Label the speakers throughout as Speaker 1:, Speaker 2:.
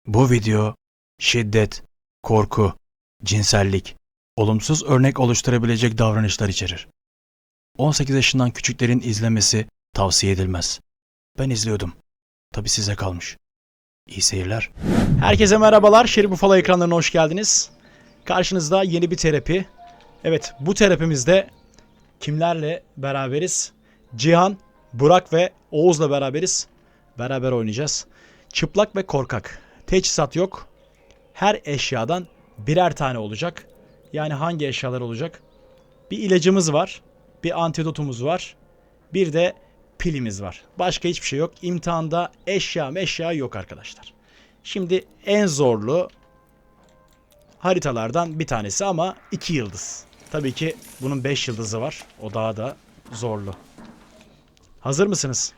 Speaker 1: Bu video şiddet, korku, cinsellik, olumsuz örnek oluşturabilecek davranışlar içerir. 18 yaşından küçüklerin izlemesi tavsiye edilmez. Ben izliyordum. Tabii size kalmış. İyi seyirler. Herkese merhabalar. Şerif Ufalo ekranlarına hoş geldiniz. Karşınızda yeni bir terapi. Evet, bu terapimizde kimlerle beraberiz? Cihan, Burak ve Oğuz'la beraberiz. Beraber oynayacağız. Çıplak ve korkak. Teçhizat yok. Her eşyadan birer tane olacak. Yani hangi eşyalar olacak? Bir ilacımız var. Bir antidotumuz var. Bir de pilimiz var. Başka hiçbir şey yok. İmtihanda eşya yok arkadaşlar. Şimdi en zorlu haritalardan bir tanesi ama 2 yıldız. Tabii ki bunun 5 yıldızı var. O daha da zorlu. Hazır mısınız?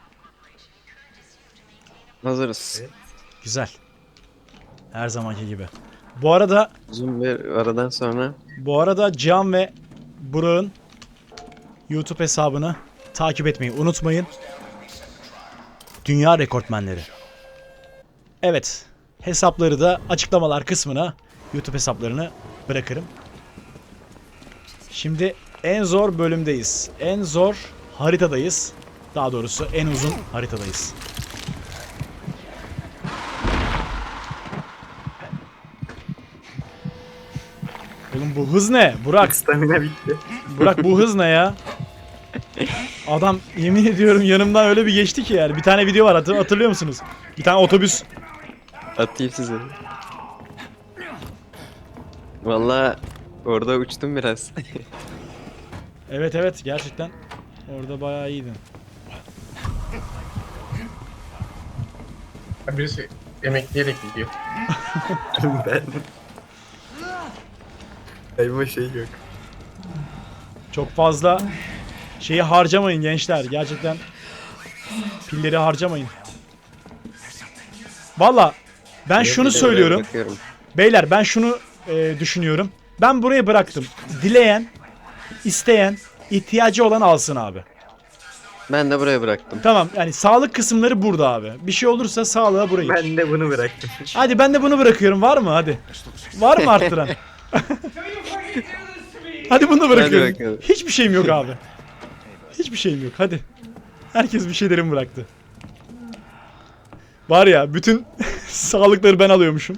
Speaker 2: Hazırız.
Speaker 1: Güzel. Her zamanki gibi. Bu arada
Speaker 2: Uzun bir aradan sonra
Speaker 1: Cihan ve Burak'ın YouTube hesabını takip etmeyi unutmayın. Dünya rekortmenleri. Evet. Hesapları da açıklamalar kısmına YouTube hesaplarını bırakırım. Şimdi en zor bölümdeyiz. En zor haritadayız. Daha doğrusu en uzun haritadayız. Oğlum bu hız ne? Burak.
Speaker 3: Stamina bitti.
Speaker 1: Burak bu hız ne ya? Adam yemin ediyorum yanımdan öyle bir geçti ki yani. Bir tane video var hatırlıyor musunuz? Bir tane otobüs.
Speaker 2: atayım size. Vallahi orada uçtum biraz.
Speaker 1: Evet gerçekten. Orada bayağı iyiydin.
Speaker 4: Birisi emekleyerek gidiyor.
Speaker 3: Ben. Elma şey yok.
Speaker 1: Çok fazla şeyi harcamayın gençler. Gerçekten pilleri harcamayın. Valla ben şunu söylüyorum.
Speaker 2: Bakıyorum.
Speaker 1: Beyler ben şunu düşünüyorum. Ben burayı bıraktım. Dileyen, isteyen, ihtiyacı olan alsın abi.
Speaker 2: Ben de buraya bıraktım.
Speaker 1: Tamam yani sağlık kısımları burada abi. Bir şey olursa sağlığa burayı.
Speaker 3: Ben de bunu bıraktım.
Speaker 1: Hadi ben de bunu bırakıyorum. Var mı? Hadi. Var mı arttıran? Hadi bunu da bırakıyorum.
Speaker 2: bakalım.
Speaker 1: Hiçbir şeyim yok abi. Hiçbir şeyim yok. Hadi. Herkes bir şeylerimi bıraktı. Var ya bütün sağlıkları ben alıyormuşum.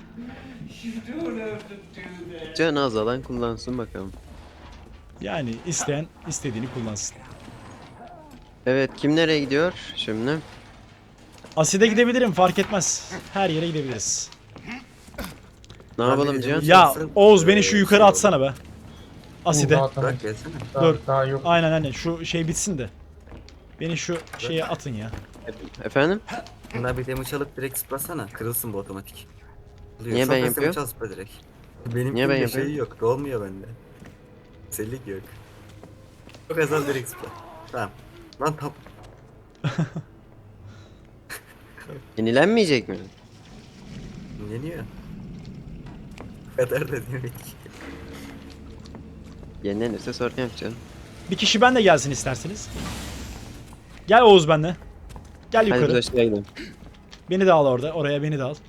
Speaker 2: Can azalan kullansın bakalım.
Speaker 1: Yani isteyen istediğini kullansın.
Speaker 2: Evet, kim nereye gidiyor şimdi?
Speaker 1: Aside gidebilirim fark etmez. Her yere gidebiliriz.
Speaker 2: Ne yapalım Can?
Speaker 1: Ya Oğuz beni şu yukarı atsana be. Aside.
Speaker 4: Daha, tamam.
Speaker 3: Bırak gelsene.
Speaker 1: Dur.
Speaker 4: Daha yok.
Speaker 1: Aynen şu şey bitsin de. Beni şu şeye atın ya.
Speaker 2: Efendim?
Speaker 3: Bunlar bir damage alıp direkt zıplasana. Kırılsın bu otomatik. Oluyor.
Speaker 2: Niye
Speaker 3: Çok
Speaker 2: ben
Speaker 3: az
Speaker 2: yapıyorum?
Speaker 3: damage al, zıpla direkt. Benim
Speaker 2: Niye ben
Speaker 3: bir
Speaker 2: yapıyorum?
Speaker 3: şey yok. Dolmuyor bende. Sellik yok. Çok az al direkt zıpla. Tamam. Lan tap.
Speaker 2: Yenilenmeyecek mi?
Speaker 3: Yeniyor. Bu kadar da demek.
Speaker 2: Yenilenirse sorun yok canım.
Speaker 1: Bir kişi ben de gelsin isterseniz. Gel Oğuz benle. Gel
Speaker 2: Hadi
Speaker 1: yukarı.
Speaker 2: biz aşağıya gidelim.
Speaker 1: Beni de al orada. Oraya beni de al.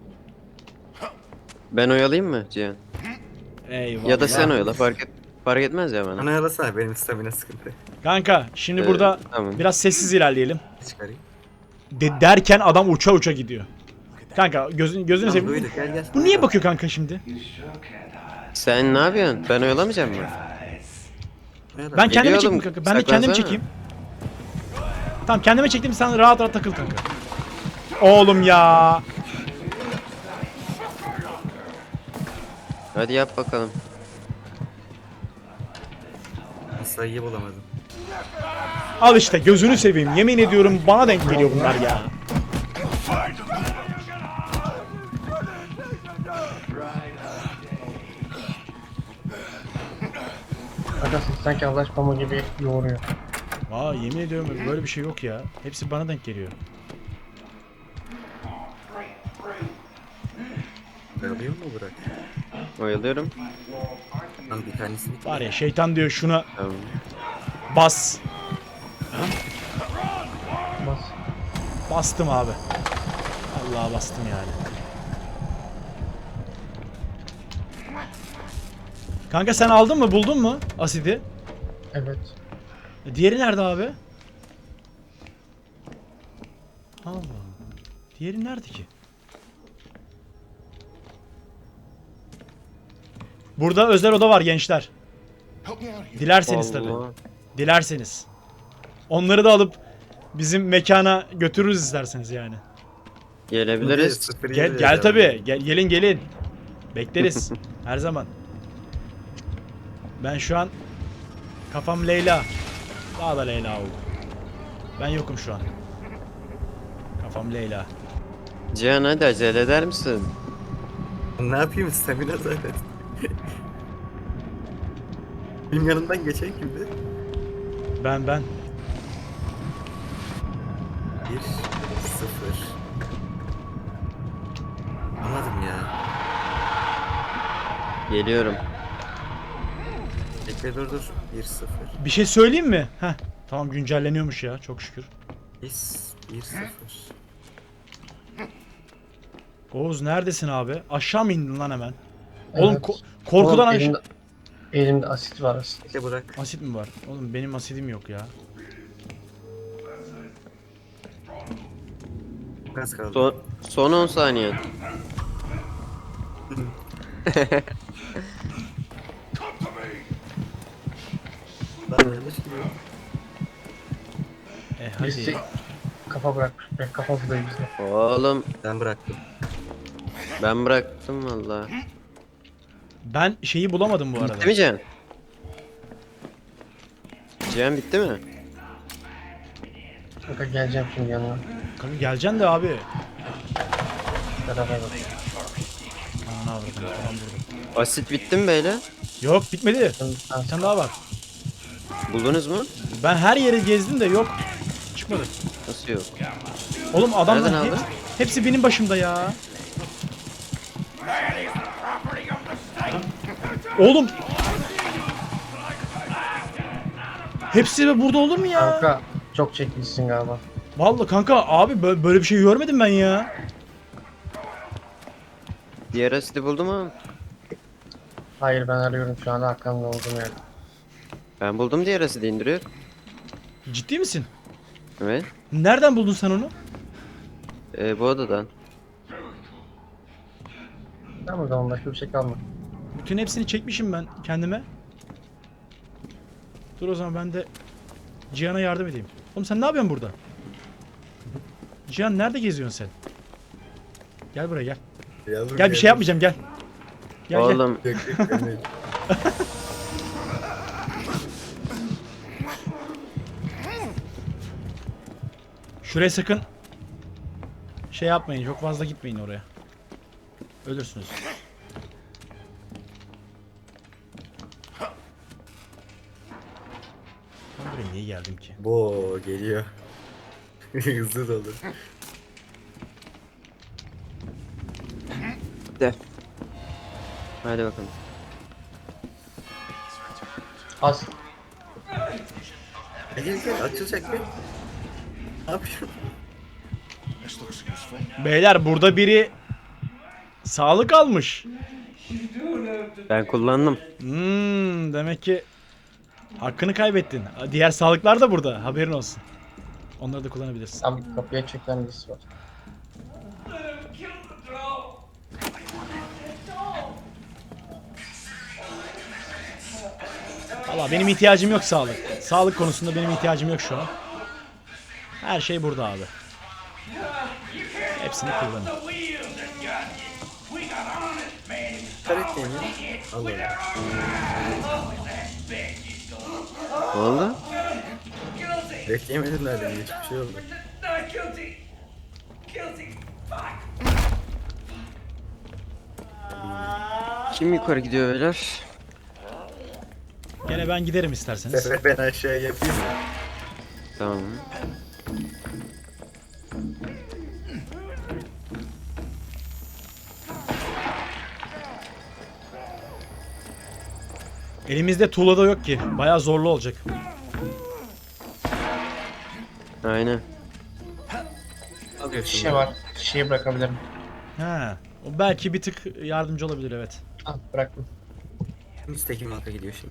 Speaker 2: Ben oyalayayım mı Cihan?
Speaker 1: Eyvallah.
Speaker 2: Ya da sen oyala, fark etmez ya bana.
Speaker 3: Bana yalasana, benim stamina sıkıntı.
Speaker 1: Kanka şimdi burada
Speaker 2: Tamam.
Speaker 1: biraz sessiz ilerleyelim.
Speaker 3: Çıkarayım.
Speaker 1: Derken adam uça uça gidiyor. Kanka gözünü
Speaker 3: Tamam
Speaker 1: seveyim.
Speaker 3: duyduk, gel gel.
Speaker 1: Bu niye bakıyor kanka şimdi?
Speaker 2: Sen ne yapıyorsun? Ben oyalamayacağım mı?
Speaker 3: Yala.
Speaker 1: Ben kendime
Speaker 2: Geliyor
Speaker 1: çekeyim
Speaker 2: oğlum,
Speaker 1: kanka. Ben de kendimi
Speaker 2: saklansana.
Speaker 1: çekeyim. Tamam kendime çektim sen rahat rahat takıl kanka. Oğlum ya.
Speaker 2: Hadi yap bakalım.
Speaker 3: Sayıyı bulamadım.
Speaker 1: Al işte gözünü seveyim. Yemin ediyorum bana denk geliyor bunlar ya.
Speaker 4: Arkadaşlar sanki Allah pamuk gibi yoğuruyor.
Speaker 1: Aa yemin ediyorum böyle bir şey yok ya. Hepsi bana denk geliyor.
Speaker 3: Alıyor mu Burak?
Speaker 2: Oyalıyorum.
Speaker 3: Lan bir tanesini.
Speaker 1: Var ya şeytan diyor şuna
Speaker 2: Tamam.
Speaker 1: bas.
Speaker 4: Bas.
Speaker 1: Bastım abi. Allah'a bastım yani.
Speaker 5: Kanka sen aldın mı? Buldun mu asidi?
Speaker 4: Evet.
Speaker 5: Diğeri nerede abi? Allah. Diğeri nerede ki? Burada özel oda var gençler. Dilerseniz tabii.
Speaker 2: Allah.
Speaker 5: Dilerseniz. Onları da alıp bizim mekana götürürüz isterseniz yani.
Speaker 2: Gelebiliriz.
Speaker 5: Gel tabii. Gelin gelin. Bekleriz. Her zaman. Ben şu an kafam Leyla. Daha da Leyla oldu. Ben yokum şu an. Kafam Leyla.
Speaker 2: Cihan hadi acele eder misin?
Speaker 3: Ne yapayım stamina zaten. Benim yanımdan geçen kimdi?
Speaker 5: Ben.
Speaker 3: 1 0. Anladım ya.
Speaker 2: Geliyorum.
Speaker 3: Bekle dur. 1 0.
Speaker 5: Bir şey söyleyeyim mi? Heh. Tamam güncelleniyormuş ya çok şükür.
Speaker 3: 1 0.
Speaker 5: Oğuz neredesin abi? Aşağı mı indin lan hemen? Oğlum
Speaker 4: Evet.
Speaker 5: korkudan
Speaker 4: Oğlum,
Speaker 5: aşağı...
Speaker 4: elimde asit var asit.
Speaker 3: Bekle bırak.
Speaker 5: Asit mi var? Oğlum benim asidim yok ya.
Speaker 3: Az kaldı.
Speaker 2: Son 10 saniye.
Speaker 3: Lan yanlış gidiyor.
Speaker 4: Birisi
Speaker 5: Hadi.
Speaker 4: kafa bırakmış. Kafa buradayız bizde.
Speaker 2: Oğlum
Speaker 3: Ben bıraktım.
Speaker 2: ben bıraktım valla.
Speaker 5: Ben şeyi bulamadım bu arada.
Speaker 2: Bitti mi Cihan? Cihan bitti mi?
Speaker 4: Kanka geleceğim şimdi yanına.
Speaker 5: Kanka geleceksin de abi.
Speaker 4: Beraber bak.
Speaker 5: Aman avradım falan burada.
Speaker 2: Asit bitti mi beyler?
Speaker 5: Yok bitmedi.
Speaker 4: Ben
Speaker 5: Bir tane daha var.
Speaker 2: Buldunuz mu?
Speaker 5: Ben her yeri gezdim de yok. Çıkmadı.
Speaker 2: Nasıl yok?
Speaker 5: Oğlum adamlar
Speaker 2: Nereden aldın?
Speaker 5: hepsi benim başımda ya. Oğlum. Hepsi de burada olur mu ya?
Speaker 4: Kanka çok çekmişsin galiba.
Speaker 5: Vallahi kanka abi böyle bir şey görmedim ben ya.
Speaker 2: Diğer asidi buldum ama.
Speaker 4: Hayır ben arıyorum şu an arkamda olduğum yerde.
Speaker 2: Ben buldum diğer asidi indiriyor.
Speaker 5: Ciddi misin?
Speaker 2: Evet.
Speaker 5: Nereden buldun sen onu?
Speaker 2: Bu odadan.
Speaker 4: Tamam o zaman başka bir şey kalmadı.
Speaker 5: Bütün hepsini çekmişim ben kendime. Dur o zaman ben de Cihan'a yardım edeyim. Oğlum sen ne yapıyorsun burada? Cihan nerede geziyorsun sen? Gel buraya gel.
Speaker 3: Yavrum
Speaker 5: Gel bir şey yapmayacağım gel. Gel gel.
Speaker 2: Oğlum
Speaker 3: Yok, yok.
Speaker 5: Şuraya sakın şey yapmayın. Çok fazla gitmeyin oraya. Ölürsünüz. Ben buraya niye geldim ki?
Speaker 3: Bo geliyor. Hızlı dolu.
Speaker 2: de. Hadi bakalım.
Speaker 4: Az.
Speaker 3: Gel açılacak bir. Ne yapıyorsun?
Speaker 5: Beyler burada biri sağlık almış.
Speaker 2: Ben kullandım.
Speaker 5: Demek ki hakkını kaybettin. Diğer sağlıklar da burada. Haberin olsun. Onları da kullanabilirsin.
Speaker 4: Tam kapıya çekilen birisi var.
Speaker 5: Valla benim ihtiyacım yok sağlık. Sağlık konusunda benim ihtiyacım yok şu an. Her şey burada abi. Hepsini kullanın.
Speaker 3: Karet neymiş? Allah Allah.
Speaker 2: Ne oldu?
Speaker 3: Bekleyemediler de hiçbir şey oldu.
Speaker 2: Kim yukarı gidiyor beyler?
Speaker 5: Gene ben giderim isterseniz.
Speaker 3: Sefer ben aşağıya yapayım mı?
Speaker 2: Tamam.
Speaker 5: Elimizde tuğla da yok ki. Bayağı zorlu olacak.
Speaker 2: Aynen.
Speaker 3: Alıyorsun.
Speaker 4: Şişe var. Şişeyi bırakabilirim.
Speaker 5: Ha, o belki bir tık yardımcı olabilir evet.
Speaker 4: Al bıraktım.
Speaker 3: Üstteki mata gidiyor şimdi.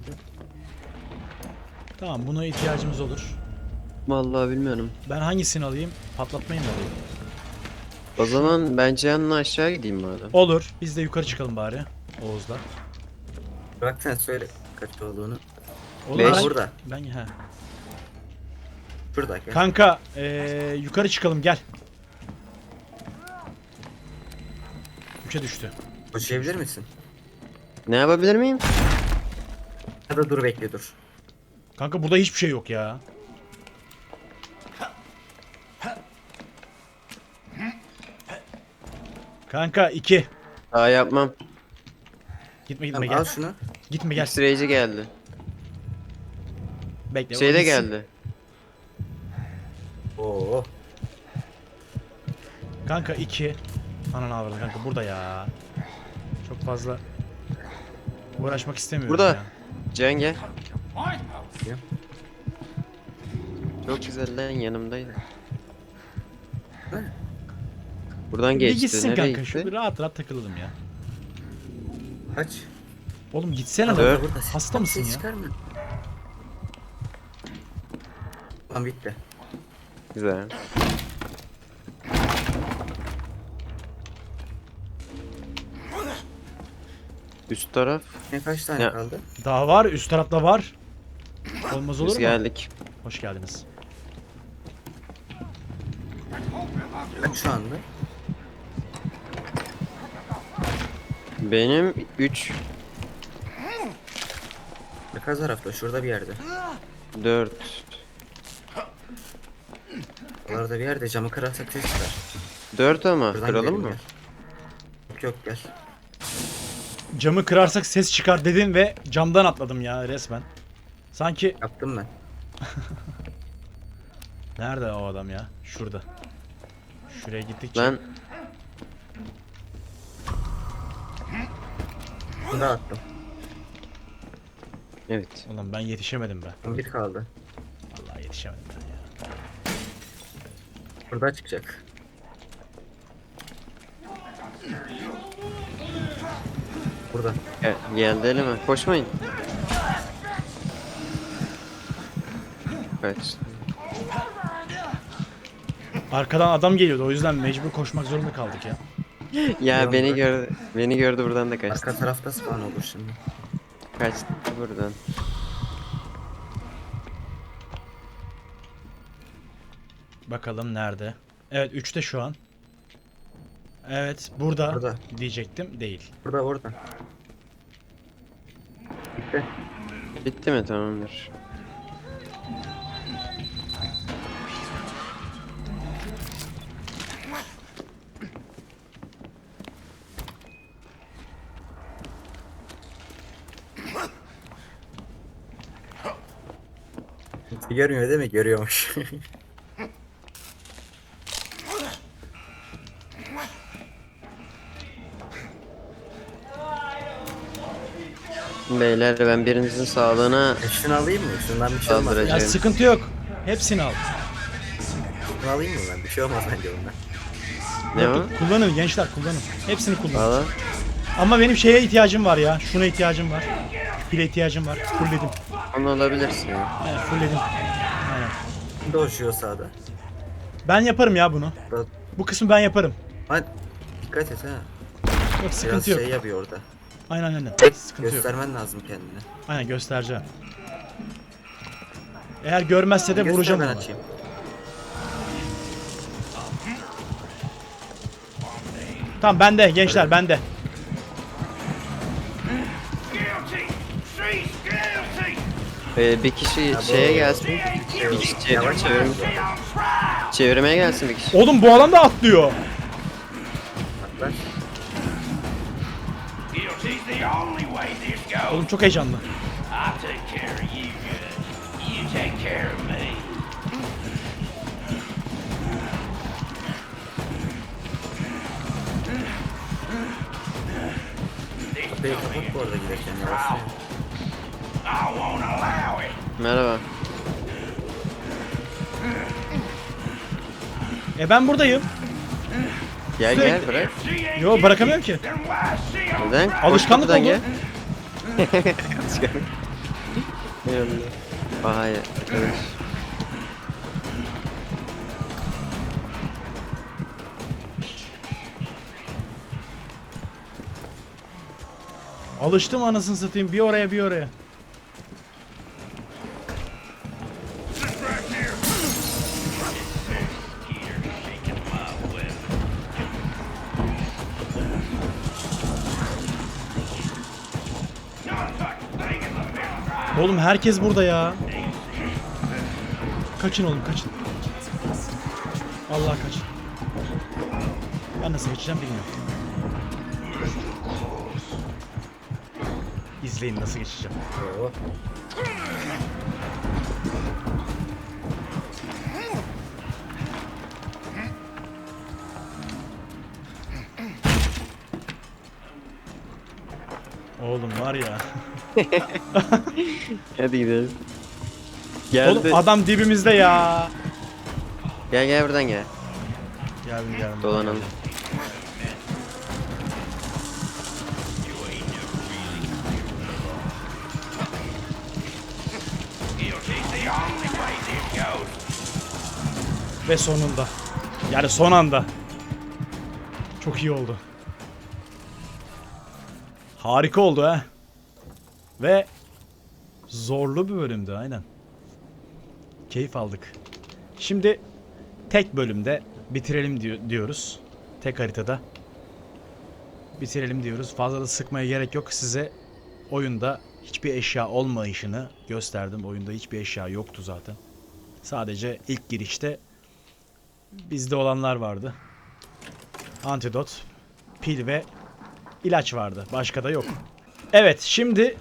Speaker 5: Tamam, buna ihtiyacımız olur.
Speaker 2: Vallahi bilmiyorum.
Speaker 5: Ben hangisini alayım? Patlatmayı mı alayım?
Speaker 2: O zaman ben Cihan'la aşağı gideyim madem.
Speaker 5: Olur. Biz de yukarı çıkalım bari. Oğuz'la.
Speaker 3: Bırak sen söyle kaç olduğunu.
Speaker 5: Olur.
Speaker 2: Beş.
Speaker 5: Ben,
Speaker 3: Burada.
Speaker 5: ben he.
Speaker 3: Burada gel.
Speaker 5: Kanka, yukarı çıkalım gel. 3'e düştü.
Speaker 3: Koşabilir misin?
Speaker 2: Ne yapabilir miyim?
Speaker 3: Ya da dur bekle dur.
Speaker 5: Kanka burada hiçbir şey yok ya. Kanka 2.
Speaker 2: Daha yapmam.
Speaker 5: Gitme
Speaker 3: Tamam,
Speaker 5: gel.
Speaker 3: al şunu.
Speaker 5: Gitme gel.
Speaker 2: X-Ray'ci geldi.
Speaker 5: Bekle.
Speaker 2: Şey
Speaker 5: o
Speaker 2: de
Speaker 5: gitsin.
Speaker 2: geldi.
Speaker 3: Oo.
Speaker 5: Kanka 2. Ananı avradı kanka burada ya. Çok fazla uğraşmak istemiyorum
Speaker 2: Burada.
Speaker 5: ya.
Speaker 2: Cihan gel.
Speaker 3: Gel.
Speaker 2: Çok güzel lan, yanımdaydı.
Speaker 3: Ne?
Speaker 2: Buradan
Speaker 5: Bir
Speaker 2: geçti.
Speaker 5: gitsin
Speaker 2: Nereye
Speaker 5: kanka. Şu
Speaker 2: gitti?
Speaker 5: bir rahat rahat takılalım ya.
Speaker 3: Kaç.
Speaker 5: Oğlum gitsene
Speaker 3: Burada,
Speaker 5: lan.
Speaker 3: burada.
Speaker 5: Hasta mısın
Speaker 3: Ses
Speaker 5: ya?
Speaker 3: çıkarma. Tamam bitti.
Speaker 2: Güzel. Üst taraf.
Speaker 3: Ne kaç tane
Speaker 2: Ya.
Speaker 3: kaldı?
Speaker 5: Daha var. Üst tarafta var. Olmaz olur
Speaker 2: Biz
Speaker 5: mu?
Speaker 2: geldik.
Speaker 5: Hoş geldiniz.
Speaker 3: Kaç şu anda?
Speaker 2: Benim 3,
Speaker 3: Arka tarafta şurada bir yerde.
Speaker 2: 4.
Speaker 3: Oralarda bir yerde camı kırarsak ses çıkar.
Speaker 2: 4 ama
Speaker 3: Buradan
Speaker 2: kıralım
Speaker 3: gidelim
Speaker 2: mı?
Speaker 3: gel. Yok yok gel.
Speaker 5: Camı kırarsak ses çıkar dedin ve camdan atladım ya resmen. Sanki
Speaker 3: Yaptım ben.
Speaker 5: nerede o adam ya? Şurada. Şuraya gittikçe.
Speaker 2: Lan
Speaker 3: Bunu da attım.
Speaker 2: evet.
Speaker 5: Ulan ben yetişemedim be.
Speaker 3: Bir kaldı.
Speaker 5: Vallahi yetişemedim ben ya.
Speaker 3: Burada çıkacak. Burada.
Speaker 2: Geldi elime. Koşmayın. Kaç.
Speaker 5: Arkadan adam geliyordu o yüzden mecbur koşmak zorunda kaldık ya.
Speaker 2: Ya
Speaker 3: Yandı.
Speaker 2: beni gördü. Beni gördü, buradan da kaçtı.
Speaker 3: Arka tarafta spawn olur şimdi.
Speaker 2: Kaçtı buradan.
Speaker 5: Bakalım nerede? Evet 3'te şu an. Evet burada,
Speaker 3: Burada.
Speaker 5: diyecektim değil.
Speaker 3: Burada orada. Bitti.
Speaker 2: Bitti mi? Tamamdır.
Speaker 3: Görmüyor değil mi? Görüyormuş.
Speaker 2: Beyler, ben birinizin sağlığına
Speaker 3: Şunu alayım mı? Şundan bir şey olmaz.
Speaker 2: Saldıracak.
Speaker 5: Ya
Speaker 2: Evet.
Speaker 5: sıkıntı yok. Hepsini al.
Speaker 3: Şunu alayım mı ben? Bir şey olmaz bence bundan.
Speaker 2: ne
Speaker 5: Yok,
Speaker 2: o?
Speaker 5: yok, kullanın gençler kullanın. Hepsini kullanın.
Speaker 2: Valla.
Speaker 5: Ama benim şeye ihtiyacım var ya. Şuna ihtiyacım var. Pile ihtiyacım var. Fullledim.
Speaker 2: Onu alabilirsin ya.
Speaker 5: Evet fullledim. Aynen.
Speaker 3: Şimdi uçuyor sağda.
Speaker 5: Ben yaparım ya bunu.
Speaker 3: Burada.
Speaker 5: Bu kısmı ben yaparım.
Speaker 3: Hadi. Dikkat et ha.
Speaker 5: Yok
Speaker 3: Biraz
Speaker 5: sıkıntı yok.
Speaker 3: şey yapıyor orada.
Speaker 5: Aynen aynen. Sıkıntı yok.
Speaker 3: Göstermen lazım kendini.
Speaker 5: Aynen göstereceğim. Eğer görmezse de
Speaker 3: Göster,
Speaker 5: vuracağım
Speaker 3: ben
Speaker 5: ona.
Speaker 3: açayım.
Speaker 5: Tamam bende gençler bende.
Speaker 2: Bir kişi şeye gelsin. Bir kişi çevirmeye gelsin bir kişi.
Speaker 5: Oğlum bu adam da atlıyor.
Speaker 3: Atlar.
Speaker 6: Guilty's the only way this goes.
Speaker 5: Oğlum çok heyecanlı.
Speaker 6: I take care of you good. You take care of me.
Speaker 3: Kapıyı kapat bu arada giderken yavaş.
Speaker 6: I won't allow it.
Speaker 2: Merhaba.
Speaker 5: Ben buradayım.
Speaker 2: Gel gel bırak.
Speaker 5: Yo bırakamıyorum ki.
Speaker 6: Then why see 'em?
Speaker 2: Neden? Koş
Speaker 5: Alışkanlık
Speaker 2: kapıdan
Speaker 5: oldu.
Speaker 2: gel. Eyvallah. Vay arkadaş.
Speaker 5: Alıştım anasını satayım. Bir oraya bir oraya. Oğlum herkes burada ya. Kaçın oğlum kaçın. Allah kaçın. Ben nasıl geçeceğim bilmiyorum. İzleyin nasıl geçeceğim.
Speaker 3: Oo.
Speaker 5: Oğlum var ya.
Speaker 2: Hadi gidelim. Geldi.
Speaker 5: Oğlum adam dibimizde ya.
Speaker 2: Gel gel buradan gel.
Speaker 5: Geldim.
Speaker 2: Dolanalım.
Speaker 5: Ve sonunda. Yani son anda. Çok iyi oldu. Harika oldu ha. Ve zorlu bir bölümdü aynen. Keyif aldık. Şimdi tek bölümde bitirelim diyoruz. Tek haritada. Bitirelim diyoruz. Fazla da sıkmaya gerek yok. Size oyunda hiçbir eşya olmayışını gösterdim. Oyunda hiçbir eşya yoktu zaten. Sadece ilk girişte bizde olanlar vardı. Antidot, pil ve ilaç vardı. Başka da yok. Evet, şimdi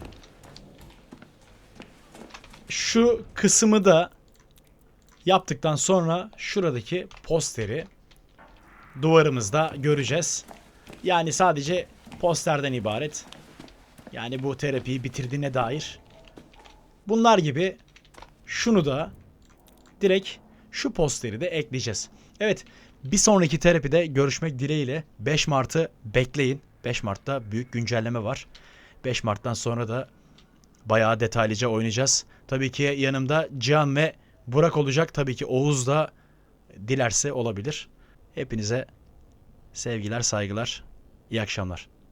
Speaker 5: şu kısmı da yaptıktan sonra şuradaki posteri duvarımızda göreceğiz. Yani sadece posterden ibaret. Yani bu terapiyi bitirdiğine dair. Bunlar gibi şunu da direkt şu posteri de ekleyeceğiz. Evet, bir sonraki terapide görüşmek dileğiyle. 5 Mart'ı bekleyin. 5 Mart'ta büyük güncelleme var. 5 Mart'tan sonra da bayağı detaylıca oynayacağız. Tabii ki yanımda Cihan ve Burak olacak. Tabii ki Oğuz da dilerse olabilir. Hepinize sevgiler, saygılar, iyi akşamlar.